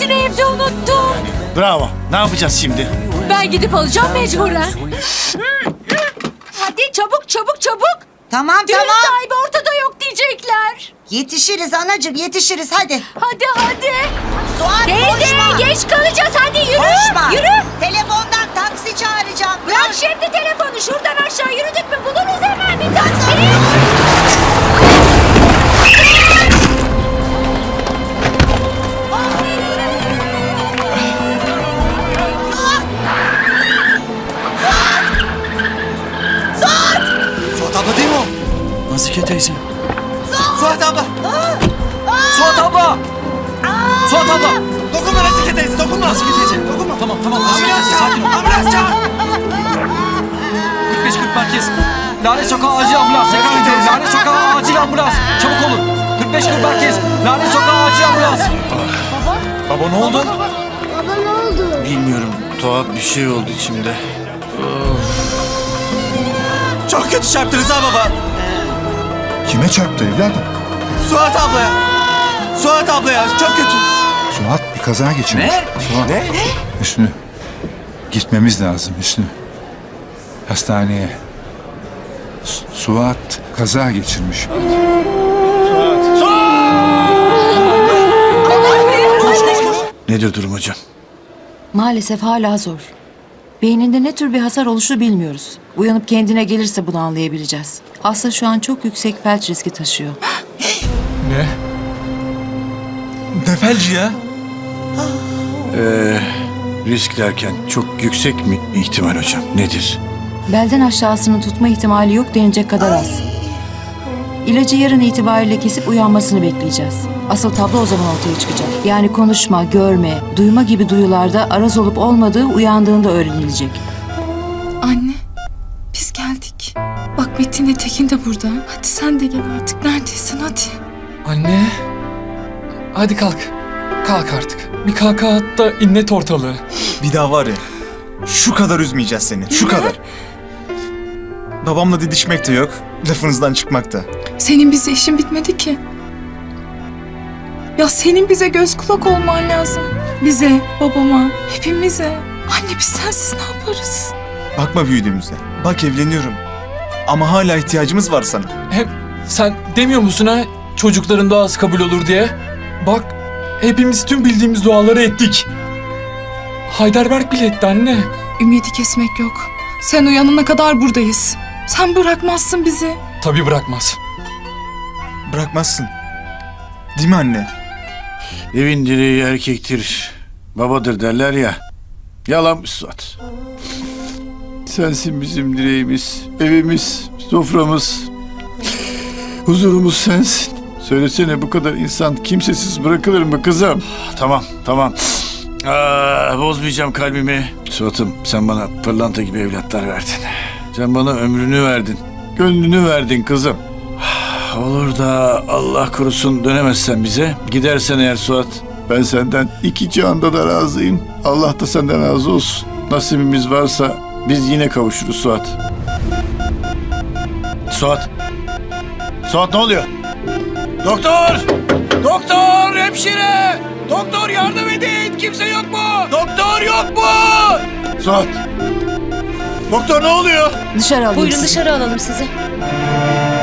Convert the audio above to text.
Taksisini evde unuttum. Bravo. Ne yapacağız şimdi? Ben gidip alacağım mecburen. Hadi çabuk çabuk çabuk. Tamam Düğün tamam. sahibi ortada yok diyecekler. Yetişiriz anacığım yetişiriz hadi. Hadi hadi. Suat Teyze koşma. geç kalacağız hadi yürü. Koşma. Yürü. Telefondan taksi çağıracağım. Bırak şimdi telefonu, şuradan aşağı yürüdük mü buluruz hemen bir taksi. Suat abla değil mi o? Nazike teyze. Suat abla. Suat abla. Suat abla. Dokunma Nazike teyze, dokunma. Nazike teyze, dokunma. Tamam, tamam. Nazike teyze, sakin ol. Ambulans çağır. 45-40 merkez. Lale Sokağı acil ambulans. Tekrar ediyorum. Lale Sokağı acil ambulans. Çabuk olun. 45-40 merkez. Lale Sokağı acil ambulans. Baba ne oldu? Baba ne oldu? Bilmiyorum. Tuhaf bir şey oldu içimde. Çok kötü çarptınız ha baba. Kime çarptı evladım? Suat ablaya. Suat ablaya çok kötü. Suat bir kaza geçirmiş. Suat. Ne? Hüsnü. Gitmemiz lazım Hüsnü. Hastaneye. Suat kaza geçirmiş. Nedir durum hocam? Maalesef hala zor. Beyninde ne tür bir hasar oluşu bilmiyoruz. Uyanıp kendine gelirse bunu anlayabileceğiz. Hasta şu an çok yüksek felç riski taşıyor. Ne? Ne felci ya? Risk derken çok yüksek mi ihtimal hocam? Nedir? Belden aşağısını tutma ihtimali yok denecek kadar az. İlacı yarın itibariyle kesip uyanmasını bekleyeceğiz. Asıl tablo o zaman ortaya çıkacak. Yani konuşma, görme, duyma gibi duyularda araz olup olmadığı uyandığında öğrenilecek. Anne, biz geldik. Bak Metin de Tekin de burada. Hadi sen de gel artık. Neredesin hadi. Anne. Hadi kalk. Kalk artık. Bir kalka at da inlet ortalığı. Bir daha var ya, şu kadar üzmeyeceğiz seni, şu kadar. Babamla didişmek de yok, lafınızdan çıkmak da. Senin bize işin bitmedi ki. Ya senin bize göz kulak olman lazım. Bize, babama, hepimize. Anne biz sensiz ne yaparız? Bakma büyüdüğümüze, bak evleniyorum. Ama hala ihtiyacımız var sana. Hem sen demiyor musun ha çocukların duası kabul olur diye? Bak hepimiz tüm bildiğimiz duaları ettik. Heidelberg bile etti anne. Ümidi kesmek yok. Sen uyanana kadar buradayız. Sen bırakmazsın bizi. Tabii bırakmaz. Bırakmazsın. Değil mi anne? Evin direği erkektir, babadır derler ya. Yalanmış Suat. Sensin bizim direğimiz, evimiz, soframız. Huzurumuz sensin. Söylesene bu kadar insan kimsesiz bırakılır mı kızım? Tamam, tamam. Bozmayacağım kalbimi. Suat'ım sen bana pırlanta gibi evlatlar verdin. Sen bana ömrünü verdin. Gönlünü verdin kızım. Olur da Allah korusun dönemezsen bize. Gidersen eğer Suat, ben senden iki cihanda da razıyım. Allah da senden razı olsun. Nasibimiz varsa biz yine kavuşuruz Suat. Suat. Suat ne oluyor? Doktor! Doktor! Hemşire! Doktor yardım edin! Kimse yok mu? Doktor yok mu? Suat! Doktor ne oluyor? Dışarı alayım Buyurun sizi. dışarı alalım sizi.